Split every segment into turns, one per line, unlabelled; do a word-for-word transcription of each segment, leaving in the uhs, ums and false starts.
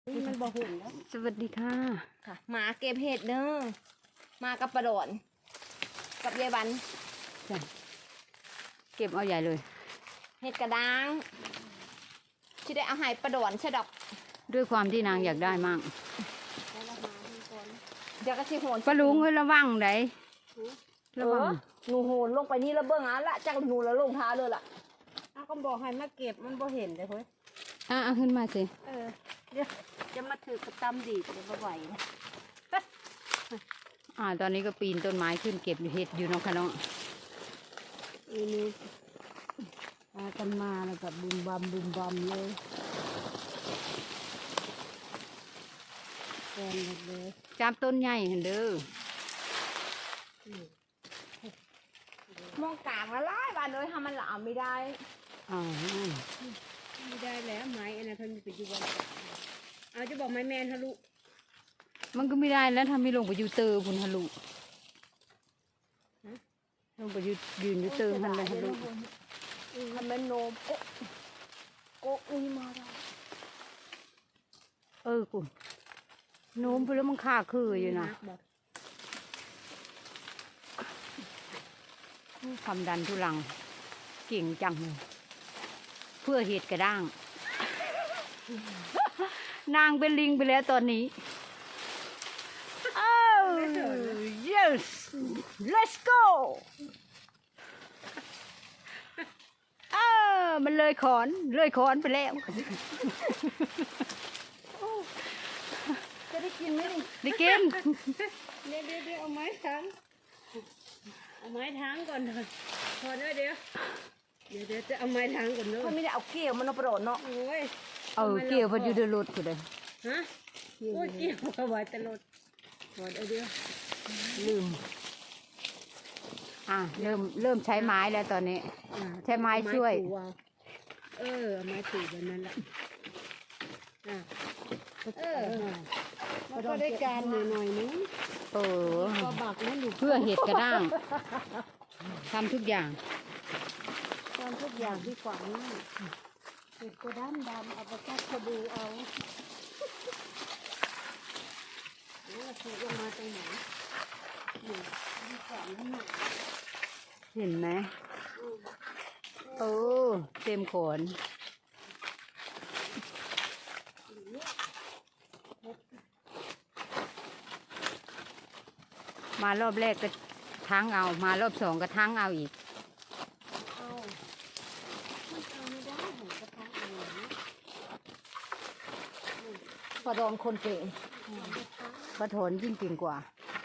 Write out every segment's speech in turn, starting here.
นี่มันบ่หุ่นแล้ว
สวัสดีค่ะ
ค่ะหมาเก็บเห็ดเด้อมากับประโดนกับยายบัน
จ้ะเก็บเอาใหญ่เลย
เห็ดกระด้างที่ได้เอาให้ประโดนใช่ดอก
ด้วยความที่นางอยากได้มั่ง
เดี๋ยวก็สิโหน
ปลาลุงเฮ้ยระวังไหน
ระวังหนูโหนลงไปนี่แล้วเบื้องอ่ะละจากหนูแล้วลงท้าเลยล่ะ
อ้าวก็บอกให้มาเก็บมันบ่เห็นเลยเฮ้ย
อ่ะขึ้นมาสิ
เออเดี๋ยวจะมาถือกระตำดีจะบ่ไหวนะ
อ่าตอนนี้ก็ปีนต้นไม้ขึ้นเก็บเห็ดอยู่น้องคะน้อง
อีนี่พากันมาแล้วกับบุมบัมบุมบัมเลยแกนเลย
จับต้นใหญ่เห็นเด้อ
มองกลางละลายบานเลยทำมันหลามไม่ได้
อ๋อ
ไม่ได้แล้วไม้อันนั้นเพิ่นไปอยู่วันเอาจะบอกไม้แมนทะลุ
มันก็ไม่ได้แล้วทำให้ลงไปอยู่เตอคุณทะลุลงไปยืนยืนอยู่เตอทันเลยทะลุ
ทำเป็นโนมโกโกอุ้ยมาได้
เออคุณโน้มไปแล้วมันขาคืออยู่นะความดันทุลังเก่งจังเลยเพื่อเห็ดกระด้างนางเป็นลิงไปแล้วตอนนี้อ้าว yes let's go อ้ามันเลยขอนเลยขอนไปแล้ว
จะได้กินไหม
ได้กิน
เดี๋ยวเดี๋ยวเอาไม้ทั้งเอาไม้ทั้งก่อนเลยพอเดี๋ยวเดี๋ยวเดี๋ยวเดี๋ยวจะเอาไม้ทั้งก่อนเลย
เขาไม่ได้เอาเกี่ยวมันเอาประโดดเนาะ
โอ้ย
เอาเกี่ยวพออยู่เดือดรุดกูเลย
ฮะโอ้ยเกี่ยวเอาไว้ตลอดพอเดี๋ยวเดี๋ยว
ลืมอ่ะเริ่มเริ่มใช้ไม้แล้วตอนนี้ใช้ไม้ช่วย
เออไม้ถูแบบนั้นแหละเออมันก็ได้การหน่อยๆนึง
เออ
ก็บักนั่นอยู่
เพื่อเห็ดกระด้างทำทุกอย่าง
ทำทุกอย่างที่ขวางนี่เห็ดกระด้างดำเอาไปแค่กระดูเอาโอ้ถูกลงมาตรงไหน
เห็นไหมโอ้เต็มขนมารอบแรกก็ทั้งเอามารอบสองก็ทั้งเอาอีก
พอโดนคนเก่ง
ปะโถนยิ่งเก่งกว่า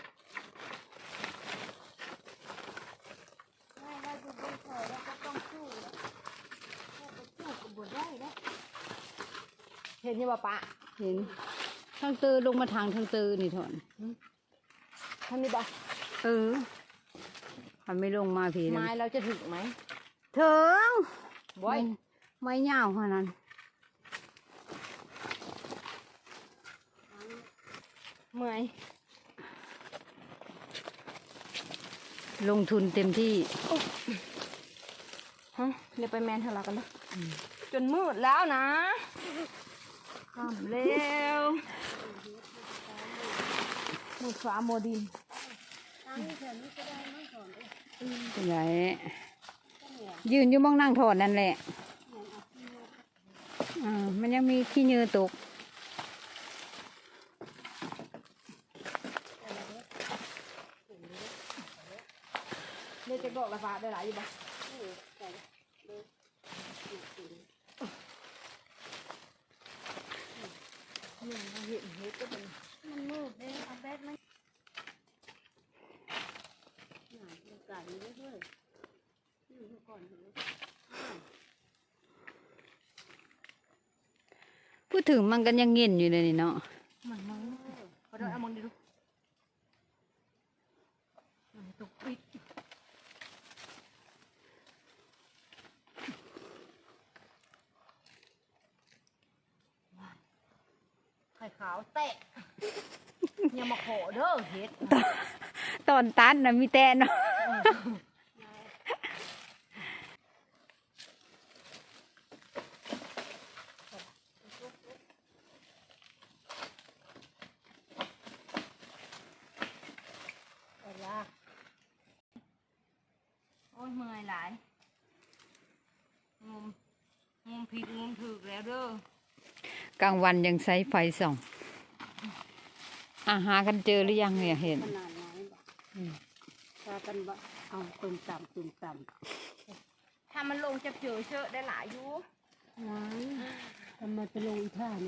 เห็นยังป่ะปะ
เห็นทางเตอลงมาทางทางเตอนี่ถอน
ทางนี้ป่ะ
เออมันไม่ลงมาผี
ไม้เราจะถึงไหม
ถึงบ่อยไม่ยาวขนาดนั้น
เมื่อย
ลงทุนเต็มที่
ฮะเดี๋ยวไปแมนทะเลาะกันเลยจนมืดแล้วนะข้ามเร็วมืดฟ้าโมดิน
เป็นไงยืนอยู่มองนั่งถอดนั่นแหละอ่ามันยังมีขี้เนื้อตก
เนี่ยจะบอกราคาได้หลายอยู่ปะเนี่ยเราเห็นเห็ดก็เป็น
มันมืดเลยเอาแบตมันหนาอากาศมันด้วยอยู่ก่อนเลย
พูดถึงมันกันยังเงินอยู่เลยนี่เนาะ
มันมันพอได้เอามองดิลูกมันตกปิดไข่ขาวเตะอย่ามาขอเด้อเฮ็ด
ตอนตัดนะมีแต่เนาะ
อ้ยเมื่อยหลายงมงมผิดงมถูกแล้วเด้อก
ลางวันยังใช้ไฟส่องอาหากันเจอหรือยังเนี่ยเห็น
ขนาดไหนบ่พากันบ่เอาตุ่มต่ำตุ่มต่ำ
ถ้ามันลงจะเจอเชอะได้หลายอยู่
ว้ายทำไมไปลงอีท่านี่